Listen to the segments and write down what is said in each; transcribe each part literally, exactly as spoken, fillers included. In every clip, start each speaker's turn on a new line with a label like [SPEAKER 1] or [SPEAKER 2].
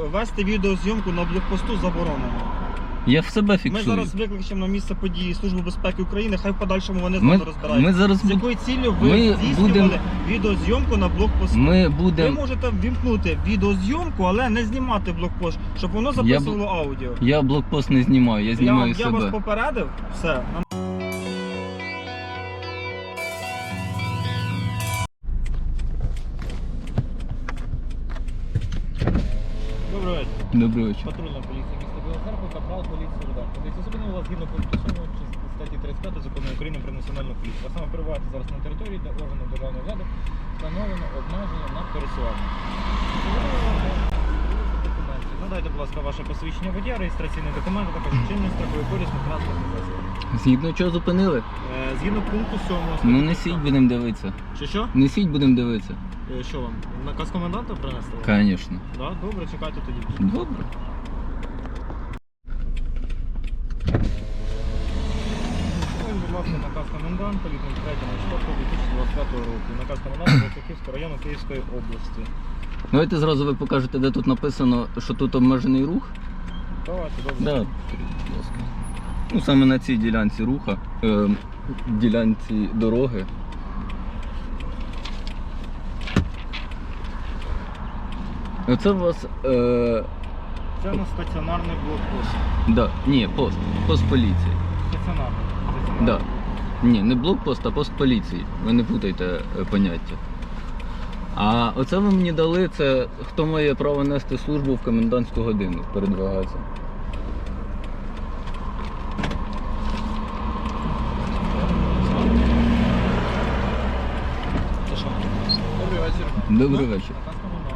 [SPEAKER 1] вести відеозйомку на блокпосту заборонено.
[SPEAKER 2] Я в себе
[SPEAKER 1] Ми
[SPEAKER 2] фіксую.
[SPEAKER 1] зараз викличемо на місце події Службу безпеки України, хай в подальшому вони з
[SPEAKER 2] Ми,
[SPEAKER 1] нами розбираються.
[SPEAKER 2] ми зараз
[SPEAKER 1] З
[SPEAKER 2] буд-
[SPEAKER 1] якою ціллю ви
[SPEAKER 2] ми
[SPEAKER 1] здійснювали
[SPEAKER 2] будем-
[SPEAKER 1] відеозйомку на блокпосту?
[SPEAKER 2] ми
[SPEAKER 1] Ви
[SPEAKER 2] будемо.
[SPEAKER 1] можете ввімкнути відеозйомку, але не знімати блокпост, щоб воно записувало аудіо.
[SPEAKER 2] Я блокпост не знімаю, я
[SPEAKER 1] Я,
[SPEAKER 2] знімаю
[SPEAKER 1] я
[SPEAKER 2] себе.
[SPEAKER 1] вас попередив, все. Нам- Доброго вечора.
[SPEAKER 2] Добрий вечір.
[SPEAKER 1] Патрульна поліція міста Біла Церква, капрал поліції Рудан. Поліція зупинила вас згідно пункту сьомого статті тридцять п'ять закону України про національну поліцію. А саме перебуваєте зараз на території, де органи державної влади встановлено обмеження на пересування. Надайте, будь ласка, ваше посвідчення водія, реєстраційний документ, а також чинний страховий поліс на транспортний засіб.
[SPEAKER 2] Згідно чого зупинили?
[SPEAKER 1] Е, Згідно пункту сьомого.
[SPEAKER 2] Ну несіть, будемо дивитися.
[SPEAKER 1] Що що?
[SPEAKER 2] Несіть, будемо дивитися.
[SPEAKER 1] Е, Що вам? Наказ коменданта принесли?
[SPEAKER 2] Звісно.
[SPEAKER 1] Да? Добре, чекайте тоді.
[SPEAKER 2] Добре.
[SPEAKER 1] Ось, будь ласка, наказ коменданта від третього дві тисячі двадцять п'ятого року. Наказ коменданта Київського району Київської області.
[SPEAKER 2] Давайте зразу ви покажете, де тут написано, що тут обмежений рух.
[SPEAKER 1] Давайте, добре.
[SPEAKER 2] Да. Будь ласка. Ну саме на цій ділянці руха, е, ділянці дороги. Оце у вас. Е,
[SPEAKER 1] Це у нас стаціонарний блокпост.
[SPEAKER 2] да, ні, пост. Пост поліції.
[SPEAKER 1] Стаціонарний. стаціонарний.
[SPEAKER 2] Да. Ні, не блокпост, а пост поліції. Ви не путайте е, поняття. А оце ви мені дали, це хто має право нести службу в комендантську годину, передвигається.
[SPEAKER 1] Це що? Добрий вечір.
[SPEAKER 2] Добрий вечір.
[SPEAKER 1] Наказ коменданта.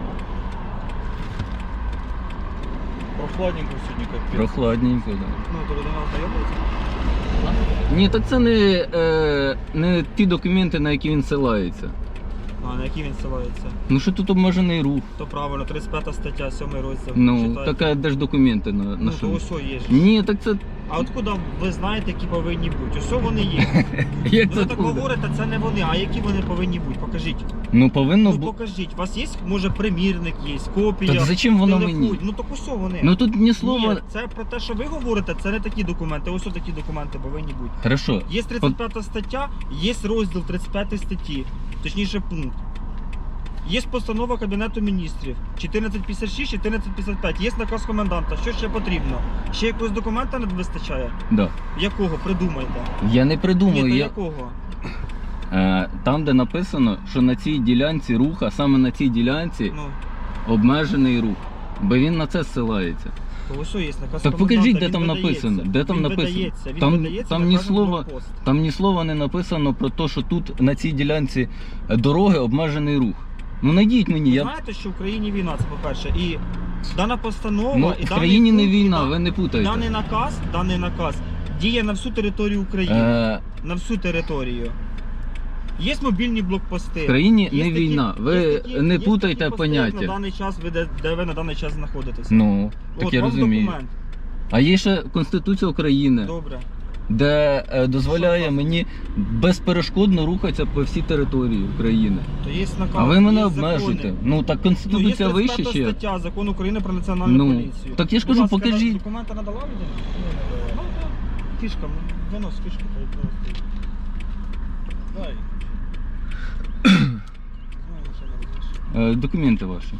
[SPEAKER 1] Прохладненько сьогодні капець.
[SPEAKER 2] Прохладненько, так. Да.
[SPEAKER 1] Ну, то людина ознайомилася?
[SPEAKER 2] Ні, так це не, е, не ті документи, на які він ссилається.
[SPEAKER 1] А, на який він ссилається?
[SPEAKER 2] Ну що тут обмежений рух?
[SPEAKER 1] То правильно, тридцять п'ята стаття, сьомий розділ.
[SPEAKER 2] Ну,
[SPEAKER 1] Читайте.
[SPEAKER 2] таке де ж документи на, на
[SPEAKER 1] Ну,
[SPEAKER 2] що?
[SPEAKER 1] то ось є ж.
[SPEAKER 2] Ні, так це.
[SPEAKER 1] А откуда ви знаєте, які повинні бути? Ось вони є.
[SPEAKER 2] Як
[SPEAKER 1] Ви
[SPEAKER 2] це
[SPEAKER 1] так
[SPEAKER 2] буде?
[SPEAKER 1] говорите, це не вони, а які вони повинні бути? Покажіть.
[SPEAKER 2] Ну повинно
[SPEAKER 1] Ну
[SPEAKER 2] бути.
[SPEAKER 1] покажіть. У вас є, може, примірник є, копія.
[SPEAKER 2] Так зачем воно
[SPEAKER 1] телефон?
[SPEAKER 2] мені?
[SPEAKER 1] Ну так ось вони.
[SPEAKER 2] Ну тут ні слова.
[SPEAKER 1] Ні, це про те, що ви говорите, це не такі документи. Ось такі документи повинні бути.
[SPEAKER 2] Хорошо.
[SPEAKER 1] Є тридцять п'ята стаття, є розділ тридцять п'ятої статті, точніше пункт. Є постанова Кабінету міністрів чотирнадцять п'ятдесят шість, чотирнадцять п'ятдесят п'ять, є наказ коменданта. Що ще потрібно? Ще якогось документа не вистачає?
[SPEAKER 2] Да.
[SPEAKER 1] Якого? Придумайте.
[SPEAKER 2] Я не
[SPEAKER 1] Ні,
[SPEAKER 2] придумую.
[SPEAKER 1] то
[SPEAKER 2] Я...
[SPEAKER 1] якого?
[SPEAKER 2] Е, там, де написано, що на цій ділянці руха, саме на цій ділянці
[SPEAKER 1] Ну,
[SPEAKER 2] обмежений рух. Бо він на це ссилається.
[SPEAKER 1] то ось є наказ
[SPEAKER 2] Так
[SPEAKER 1] коменданта,
[SPEAKER 2] покажіть, де
[SPEAKER 1] він
[SPEAKER 2] там
[SPEAKER 1] видається.
[SPEAKER 2] написано. Де там
[SPEAKER 1] він
[SPEAKER 2] написано?
[SPEAKER 1] Видається, він
[SPEAKER 2] Там-
[SPEAKER 1] видається,
[SPEAKER 2] там
[SPEAKER 1] на
[SPEAKER 2] ні
[SPEAKER 1] кожен
[SPEAKER 2] слова-
[SPEAKER 1] блокпост.
[SPEAKER 2] Там ні слова не написано про те, що тут на цій ділянці дороги обмежений рух. Ну найдіть мені,
[SPEAKER 1] Ви
[SPEAKER 2] я.
[SPEAKER 1] знаєте, що в Україні війна, це по-перше. І дана постанова,
[SPEAKER 2] Ну,
[SPEAKER 1] і
[SPEAKER 2] в
[SPEAKER 1] даний
[SPEAKER 2] країні не
[SPEAKER 1] пункт, і
[SPEAKER 2] війна,
[SPEAKER 1] да-
[SPEAKER 2] ви не путайте.
[SPEAKER 1] Даний наказ, даний наказ діє на всю територію України.
[SPEAKER 2] Е,
[SPEAKER 1] На всю територію. Є мобільні блокпости.
[SPEAKER 2] в країні
[SPEAKER 1] Є
[SPEAKER 2] не
[SPEAKER 1] такі-
[SPEAKER 2] війна. Ви
[SPEAKER 1] є такі-
[SPEAKER 2] не
[SPEAKER 1] є
[SPEAKER 2] путайте
[SPEAKER 1] такі пости, як
[SPEAKER 2] поняття.
[SPEAKER 1] На даний час ви де, де ви на даний час знаходитеся.
[SPEAKER 2] Ну, так
[SPEAKER 1] От
[SPEAKER 2] я
[SPEAKER 1] вам
[SPEAKER 2] розумію.
[SPEAKER 1] документ.
[SPEAKER 2] А є ще Конституція України,
[SPEAKER 1] Добре.
[SPEAKER 2] де е, дозволяє
[SPEAKER 1] Що
[SPEAKER 2] мені безперешкодно рухатися по всій території України.
[SPEAKER 1] То є наказ.
[SPEAKER 2] А ви мене
[SPEAKER 1] є
[SPEAKER 2] обмежуєте.
[SPEAKER 1] закони.
[SPEAKER 2] Ну так
[SPEAKER 1] Ну, є
[SPEAKER 2] Конституція вище
[SPEAKER 1] тридцять п'ята
[SPEAKER 2] ще.
[SPEAKER 1] стаття Закону України про національну
[SPEAKER 2] Ну,
[SPEAKER 1] поліцію.
[SPEAKER 2] так я ж
[SPEAKER 1] Будь
[SPEAKER 2] кажу,
[SPEAKER 1] ласка,
[SPEAKER 2] покажіть.
[SPEAKER 1] Документи надала людина? Ну, так. Фішка, винос фішку. Дай. Знаю, що не розумієш.
[SPEAKER 2] Е, документи ваші.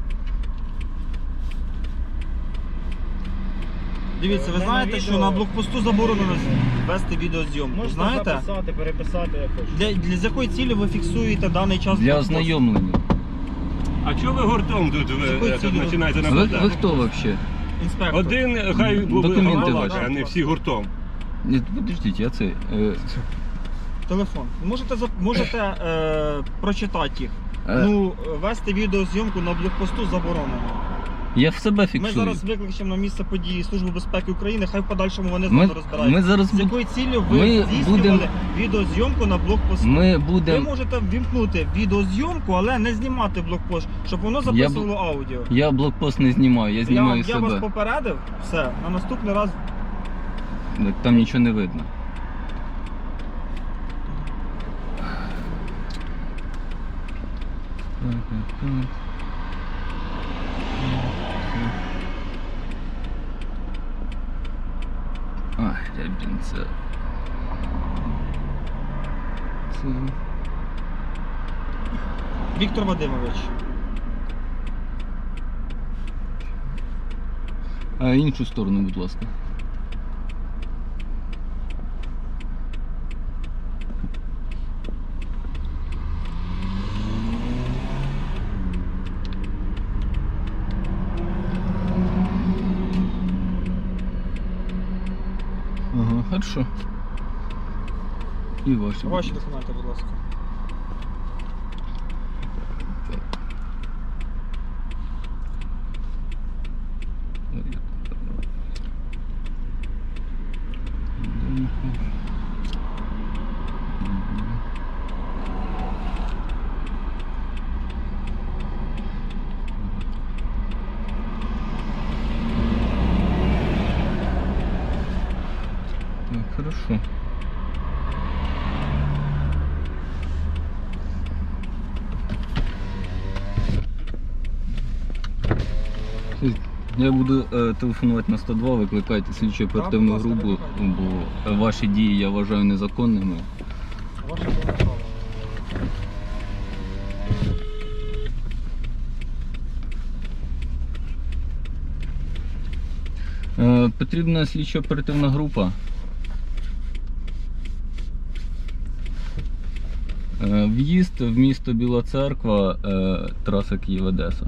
[SPEAKER 1] Дивіться, ви
[SPEAKER 3] Е,
[SPEAKER 1] знаєте,
[SPEAKER 3] на
[SPEAKER 1] що
[SPEAKER 3] відео-
[SPEAKER 1] на блокпосту заборонено вести відеозйомку.
[SPEAKER 3] Можете
[SPEAKER 1] Знаєте?
[SPEAKER 3] записати, переписати, як хочете.
[SPEAKER 1] Для, для з якої цілі ви фіксуєте даний час
[SPEAKER 2] Для
[SPEAKER 1] блокпосту?
[SPEAKER 2] ознайомлення.
[SPEAKER 4] А чого ви гуртом тут ви
[SPEAKER 1] Якою
[SPEAKER 4] е, тут
[SPEAKER 1] цілею?
[SPEAKER 4] починаєте
[SPEAKER 2] Ви,
[SPEAKER 4] нападати?
[SPEAKER 2] ви хто взагалі?
[SPEAKER 1] Інспектор.
[SPEAKER 4] Один хай буде
[SPEAKER 2] Документи
[SPEAKER 4] голова,
[SPEAKER 2] ваші.
[SPEAKER 4] а не всі гуртом.
[SPEAKER 2] Ні, подождіть, я це. Е,
[SPEAKER 1] Телефон. Можете, зап- можете е, прочитати їх.
[SPEAKER 2] е,
[SPEAKER 1] Ну, вести відеозйомку на блокпосту заборонено.
[SPEAKER 2] я в себе
[SPEAKER 1] Ми
[SPEAKER 2] фіксую.
[SPEAKER 1] зараз викличемо на місце події Службу безпеки України, хай в подальшому вони з
[SPEAKER 2] Ми,
[SPEAKER 1] нами розбираються.
[SPEAKER 2] ми зараз
[SPEAKER 1] З
[SPEAKER 2] буд-
[SPEAKER 1] якою ціллю ви
[SPEAKER 2] ми
[SPEAKER 1] здійснювали
[SPEAKER 2] будем-
[SPEAKER 1] відеозйомку на блокпосту?
[SPEAKER 2] ми
[SPEAKER 1] Ви
[SPEAKER 2] будемо.
[SPEAKER 1] можете ввімкнути відеозйомку, але не знімати блокпост, щоб воно записувало аудіо.
[SPEAKER 2] Я блокпост не знімаю, я
[SPEAKER 1] Я,
[SPEAKER 2] знімаю
[SPEAKER 1] я вас
[SPEAKER 2] себе.
[SPEAKER 1] попередив, все, на наступний раз.
[SPEAKER 2] Так там нічого не видно. Так, так, так. Рябінцев. Це...
[SPEAKER 1] Віктор Вадимович.
[SPEAKER 2] А іншу сторону, будь ласка. Ага, хорошо. І ваші.
[SPEAKER 1] Ваші документи, будь ласка.
[SPEAKER 2] Так. Так, хорошо. Я буду е, телефонувати на сто два, викликайте слідчу оперативну
[SPEAKER 1] будь ласка,
[SPEAKER 2] групу,
[SPEAKER 1] викликайте.
[SPEAKER 2] бо ваші дії я вважаю незаконними.
[SPEAKER 1] Ваше повне право.
[SPEAKER 2] Е, потрібна слідчо оперативна група. Е, в'їзд в місто Біла Церква, е, траса Київ-Одеса.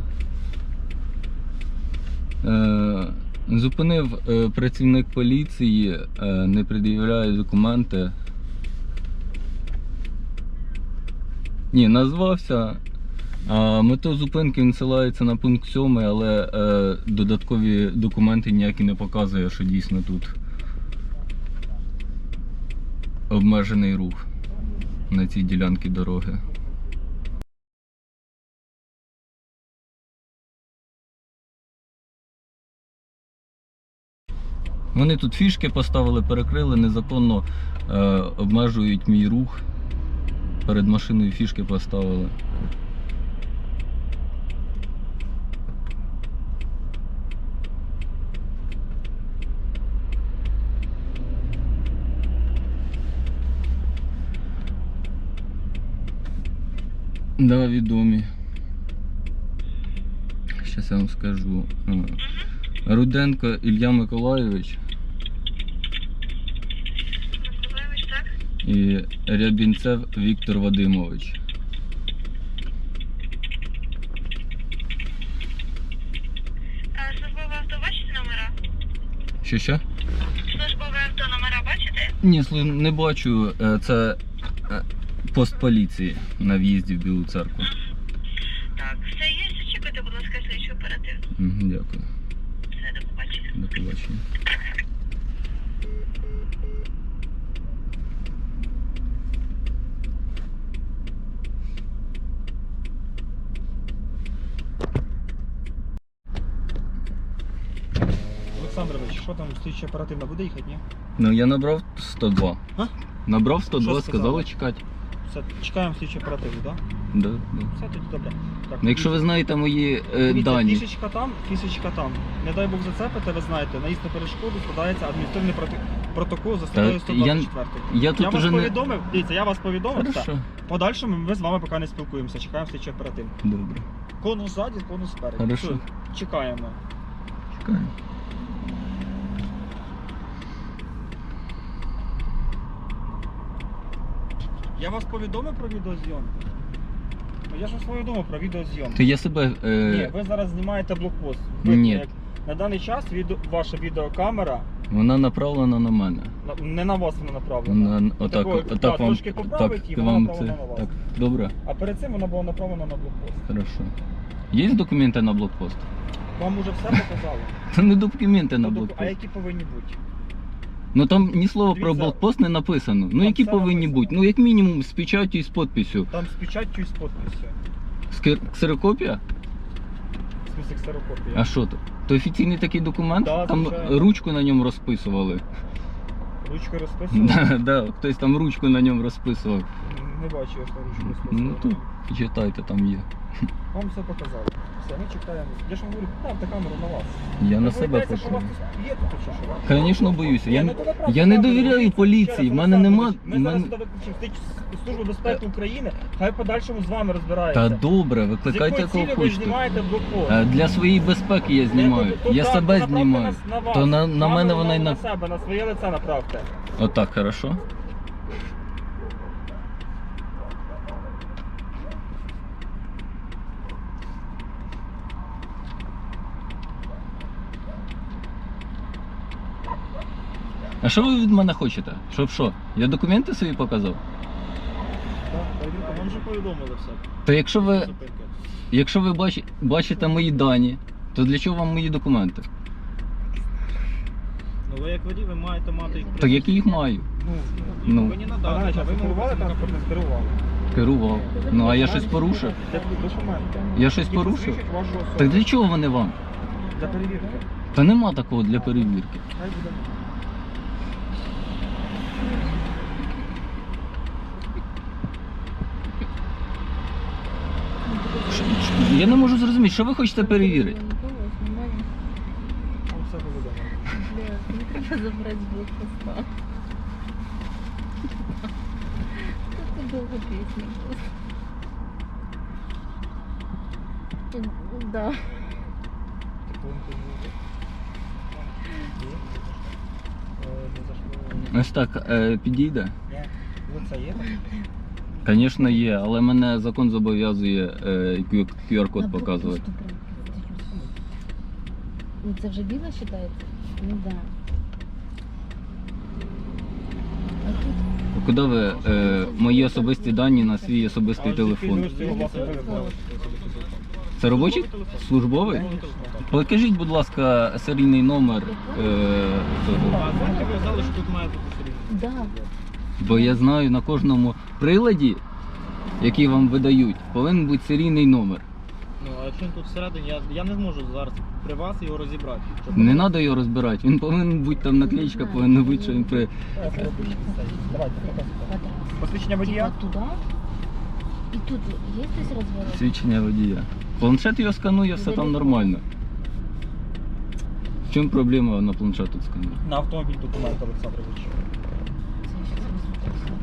[SPEAKER 2] Е, зупинив е, працівник поліції, е, не пред'являє документи. Ні, назвався. А мета зупинки він ссилається на пункт сьомий, але е, додаткові документи ніякі не показує, що дійсно тут обмежений рух на цій ділянці дороги. Вони тут фішки поставили, перекрили, незаконно е, обмежують мій рух. Перед машиною фішки поставили. Да, відомі. Щас я вам скажу. Руденко Ілля Миколайович
[SPEAKER 5] Миколаївич, так?
[SPEAKER 2] і Рябінцев Віктор Вадимович.
[SPEAKER 5] А службове авто бачите номера?
[SPEAKER 2] Що що?
[SPEAKER 5] Службове авто номера бачите?
[SPEAKER 2] Ні, слу- не бачу. Е, Це е, пост поліції на в'їзді в Білу Церкву.
[SPEAKER 5] Так, все є. Зачекайте, будь ласка, слідчу оперативну.
[SPEAKER 2] Мгм, дякую.
[SPEAKER 5] Все, до побачення.
[SPEAKER 2] До побачення.
[SPEAKER 1] Олександрович, що там слідча оперативна буде їхати, ні?
[SPEAKER 2] Ну я набрав сто два.
[SPEAKER 1] А?
[SPEAKER 2] Набрав сто два,
[SPEAKER 1] Що
[SPEAKER 2] сказали
[SPEAKER 1] сказали?
[SPEAKER 2] чекати.
[SPEAKER 1] Все, чекаємо слідчу оперативну, так?
[SPEAKER 2] Да, да.
[SPEAKER 1] Все тоді добре. Так,
[SPEAKER 2] Ну, якщо ви знаєте мої е,
[SPEAKER 1] дивіться,
[SPEAKER 2] дані.
[SPEAKER 1] фішечка там, фішечка там. Не дай Бог зацепите, ви знаєте, наїзд на перешкоду складається адміністративний проти... протокол за статтею сто двадцять чотири.
[SPEAKER 2] Я тут
[SPEAKER 1] Я вас
[SPEAKER 2] уже не...
[SPEAKER 1] повідомив, дивіться, я вас повідомив, все.
[SPEAKER 2] Хорошо.
[SPEAKER 1] В подальшому ми з вами поки не спілкуємося, чекаємо слідчу оперативну.
[SPEAKER 2] Добре.
[SPEAKER 1] Конус ззаді, конус спереді.
[SPEAKER 2] Хорошо.
[SPEAKER 1] Все, чекаємо.
[SPEAKER 2] Чекаю.
[SPEAKER 1] Я вас повідомив про відеозйомку? Ну я ж вас повідомив про відеозйомку.
[SPEAKER 2] То я себе...
[SPEAKER 1] Ні,
[SPEAKER 2] Е...
[SPEAKER 1] ви зараз знімаєте блокпост. Ви,
[SPEAKER 2] Ні.
[SPEAKER 1] як- На даний час відео, ваша відеокамера,
[SPEAKER 2] Вона направлена на мене.
[SPEAKER 1] на- не на вас вона направлена.
[SPEAKER 2] На... Отак,
[SPEAKER 1] Такого,
[SPEAKER 2] отак
[SPEAKER 1] да,
[SPEAKER 2] вам...
[SPEAKER 1] трошки поправить, і
[SPEAKER 2] так,
[SPEAKER 1] вона
[SPEAKER 2] вам
[SPEAKER 1] направлена
[SPEAKER 2] це...
[SPEAKER 1] на вас.
[SPEAKER 2] Так, добре.
[SPEAKER 1] А перед цим вона була направлена на блокпост.
[SPEAKER 2] Хорошо. Є документи на блокпост?
[SPEAKER 1] Вам уже все показали?
[SPEAKER 2] Це не документи на
[SPEAKER 1] Ну, доку-
[SPEAKER 2] блокпост.
[SPEAKER 1] А які повинні бути?
[SPEAKER 2] Ну там ні слова про
[SPEAKER 1] Дивіться.
[SPEAKER 2] блокпост не написано. Ну
[SPEAKER 1] Там
[SPEAKER 2] які
[SPEAKER 1] все
[SPEAKER 2] повинні
[SPEAKER 1] написано.
[SPEAKER 2] бути? Ну як мінімум з печаттю і з підписю.
[SPEAKER 1] Там з печаттю і з підписю.
[SPEAKER 2] Скер- Ксерокопія?
[SPEAKER 1] В смысле ксерокопія.
[SPEAKER 2] А що то? То офіційний такий документ?
[SPEAKER 1] Да,
[SPEAKER 2] Там
[SPEAKER 1] звичайно.
[SPEAKER 2] ручку на ньому розписували.
[SPEAKER 1] Ручкою розписували?
[SPEAKER 2] Да, да, хтось там ручку на ньому розписував.
[SPEAKER 1] Не бачу, я ж там ручку не
[SPEAKER 2] Ну
[SPEAKER 1] спустив.
[SPEAKER 2] тут читайте, там є.
[SPEAKER 1] Вам все показали. Все, ми чекаємо. Я ж вам говорю, ставте камеру на вас.
[SPEAKER 2] Я на
[SPEAKER 1] Ви
[SPEAKER 2] себе
[SPEAKER 1] боїтеся, що у вас
[SPEAKER 2] пишу.
[SPEAKER 1] тут є тут чи що?
[SPEAKER 2] Звісно, боюся.
[SPEAKER 1] Ні,
[SPEAKER 2] Я,
[SPEAKER 1] ну
[SPEAKER 2] не-
[SPEAKER 1] то направте
[SPEAKER 2] я не
[SPEAKER 1] камеру,
[SPEAKER 2] довіряю
[SPEAKER 1] дивіться,
[SPEAKER 2] поліції,
[SPEAKER 1] ще
[SPEAKER 2] в
[SPEAKER 1] раз,
[SPEAKER 2] мене
[SPEAKER 1] Олександр
[SPEAKER 2] нема.
[SPEAKER 1] Ігорович, Ми
[SPEAKER 2] в
[SPEAKER 1] зараз
[SPEAKER 2] мене-
[SPEAKER 1] туди виключимо Службу безпеки України, хай в подальшому з вами
[SPEAKER 2] Та
[SPEAKER 1] розбирається.
[SPEAKER 2] добре,
[SPEAKER 1] З
[SPEAKER 2] викликайте
[SPEAKER 1] якою
[SPEAKER 2] кого
[SPEAKER 1] цілею ви
[SPEAKER 2] хочете.
[SPEAKER 1] знімаєте блокпост?
[SPEAKER 2] Е, Для своєї безпеки я знімаю.
[SPEAKER 1] То
[SPEAKER 2] Я
[SPEAKER 1] так,
[SPEAKER 2] себе
[SPEAKER 1] то направте
[SPEAKER 2] знімаю.
[SPEAKER 1] нас на вас.
[SPEAKER 2] То на, на
[SPEAKER 1] Камеру
[SPEAKER 2] мене вона й
[SPEAKER 1] на
[SPEAKER 2] на.
[SPEAKER 1] себе, на своє лице направте.
[SPEAKER 2] Отак, хорошо? А що ви від мене хочете? Щоб що? Я документи свої показав?
[SPEAKER 3] Так, перевірка, вам вже повідомили все.
[SPEAKER 2] То якщо ви,
[SPEAKER 3] Зупинки.
[SPEAKER 2] якщо ви бачи, бачите мої дані, то для чого вам мої документи?
[SPEAKER 3] Ну ви як водій, ви маєте мати їх при
[SPEAKER 2] Так які їх маю?
[SPEAKER 1] Ну,
[SPEAKER 2] Ну,
[SPEAKER 3] повинні
[SPEAKER 1] а
[SPEAKER 3] надати.
[SPEAKER 1] раніше ви
[SPEAKER 3] вимогу
[SPEAKER 1] керували
[SPEAKER 3] працівника
[SPEAKER 1] транспортним керували?
[SPEAKER 2] керував. Ну а я щось порушив?
[SPEAKER 1] Де документи?
[SPEAKER 2] Я щось
[SPEAKER 1] Які
[SPEAKER 2] порушив?
[SPEAKER 1] посвідчують вашу особу.
[SPEAKER 2] Так для чого вони вам?
[SPEAKER 1] Для перевірки.
[SPEAKER 2] Та нема такого для перевірки.
[SPEAKER 1] Хай буде.
[SPEAKER 2] Ш- ш- Я не можу зрозуміти, що ви хочете перевірити?
[SPEAKER 1] Там все повідомлено.
[SPEAKER 6] Не треба забрати з блокпоста. Це довго пісня. Да.
[SPEAKER 2] Ось так е, підійде?
[SPEAKER 1] Лице є?
[SPEAKER 2] Звісно, є, але мене закон зобов'язує е, кю ар код показувати.
[SPEAKER 6] Ну це вже біло вважається? Ну да. А тут
[SPEAKER 2] Куди ви е, мої особисті дані на свій особистий телефон? Це робочий? Службовий? Покажіть, будь ласка, серійний номер е, цього.
[SPEAKER 3] А знаєте, ви казали, що тут має бути серійний.
[SPEAKER 6] да.
[SPEAKER 2] Бо я знаю, на кожному приладі, який вам видають, повинен бути серійний номер.
[SPEAKER 3] Ну, а якщо він тут всередині, я, я не зможу зараз при вас його розібрати. Щоб-
[SPEAKER 2] Не треба його розбирати, він повинен бути там наклеїчка, повинна бути, що він при.
[SPEAKER 1] Давайте, показуйте.
[SPEAKER 6] Квадрат.
[SPEAKER 1] Посвідчення водія?
[SPEAKER 6] Типа туда. І тут є хтось розворот?
[SPEAKER 2] Свідчення водія. Планшет його сканує, все там нормально. В чому проблема на планшет тут сканує?
[SPEAKER 1] На автомобіль документ, Олександрович.
[SPEAKER 6] Це я щас розберуся.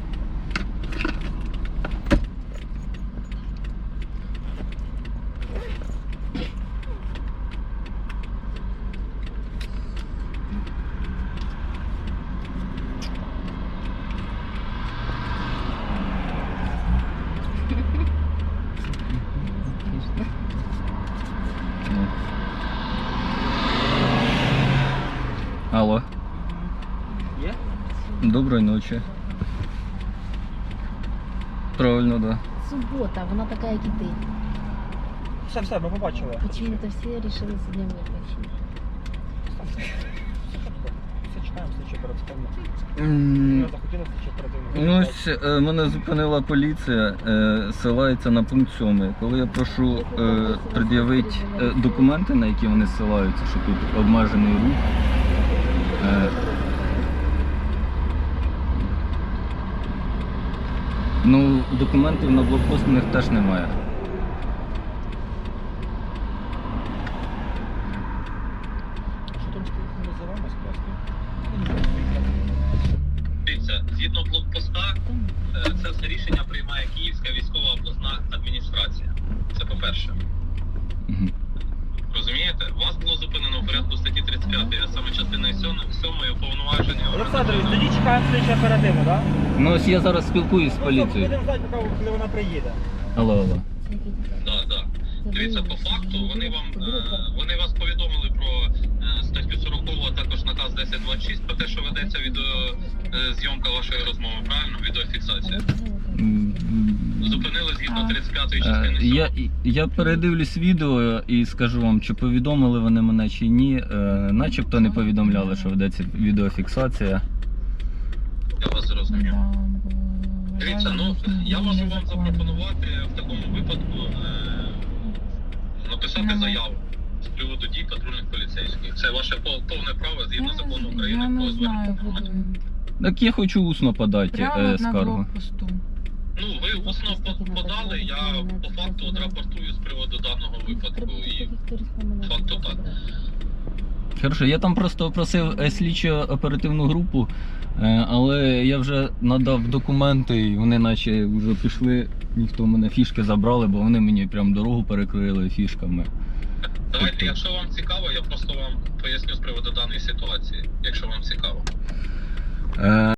[SPEAKER 2] Ну. Алло,
[SPEAKER 1] Є?
[SPEAKER 2] доброї ночі. Правильно, да.
[SPEAKER 6] Субота, вона така, як і ти.
[SPEAKER 1] Все, все, ми побачили.
[SPEAKER 6] Почему-то всі вирішили сьогодні виключити.
[SPEAKER 1] Все чекаємо, слідчі оперативно.
[SPEAKER 2] М,
[SPEAKER 1] Ми захотіли слідчі оперативно.
[SPEAKER 2] Ну, ось е, мене зупинила поліція, е, ссилається на пункт сьомий. Коли я прошу е, пред'явити е, документи, на які вони ссилаються, що тут обмежений рух. Е, ну, документів на блокпост у них теж немає.
[SPEAKER 3] Що там стоїть не за вами скласти?
[SPEAKER 7] Дивіться, згідно блокпоста, е, це все рішення приймає Київська військова обласна адміністрація. Це по-перше.
[SPEAKER 2] Мгм.
[SPEAKER 7] Розумієте? Вас було зупинено в порядку статті тридцять п'ять, а саме частиною сьомої уповноваження.
[SPEAKER 1] Олександрович, тоді чекаємо слідчі оперативно, так?
[SPEAKER 2] Ну, ось я зараз спілкуюсь з поліцією.
[SPEAKER 1] Будемо знати, поки- коли вона приїде.
[SPEAKER 2] Алло, алло.
[SPEAKER 6] Це який ти?
[SPEAKER 7] Да, да.
[SPEAKER 6] Це
[SPEAKER 7] Дивіться, по
[SPEAKER 6] виявилося,
[SPEAKER 7] факту
[SPEAKER 6] що
[SPEAKER 7] вони вам
[SPEAKER 6] це
[SPEAKER 7] е,
[SPEAKER 6] було
[SPEAKER 7] вони вас повідомили про е, статтю сорок, а також наказ десять двадцять шість про те, що ведеться відеозйомка вашої розмови, правильно? Відеофіксація.
[SPEAKER 2] М,
[SPEAKER 7] Зупинили згідно
[SPEAKER 6] А.
[SPEAKER 7] тридцять п'ятої
[SPEAKER 2] Е,
[SPEAKER 7] частини
[SPEAKER 2] Я,
[SPEAKER 7] сьомої.
[SPEAKER 2] я передивлюсь відео і скажу вам, чи повідомили вони мене чи ні. Е, начебто не повідомляли, що ведеться відеофіксація.
[SPEAKER 7] Я вас зрозумів. Дивіться, ну я можу вам запропонувати в такому випадку е, написати заяву з приводу дій патрульних поліцейських. Це ваше пов- повне право згідно закону
[SPEAKER 8] Я
[SPEAKER 7] України
[SPEAKER 8] не
[SPEAKER 7] про звернення
[SPEAKER 8] знаю,
[SPEAKER 7] громадян.
[SPEAKER 8] буду.
[SPEAKER 2] Так я хочу усно подати
[SPEAKER 8] Прямо
[SPEAKER 2] е,
[SPEAKER 8] на
[SPEAKER 2] скаргу.
[SPEAKER 8] блокпосту.
[SPEAKER 7] усно по- подали, я по факту от рапортую з приводу даного випадку. І факту так.
[SPEAKER 2] Хорошо, я там просто просив е, слідчо оперативну групу, е, але я вже надав документи і вони наче вже пішли, ніхто в мене фішки забрали, бо вони мені прям дорогу перекрили фішками.
[SPEAKER 7] Давайте, якщо вам цікаво, я просто вам поясню з приводу даної ситуації, якщо вам цікаво.
[SPEAKER 2] Е,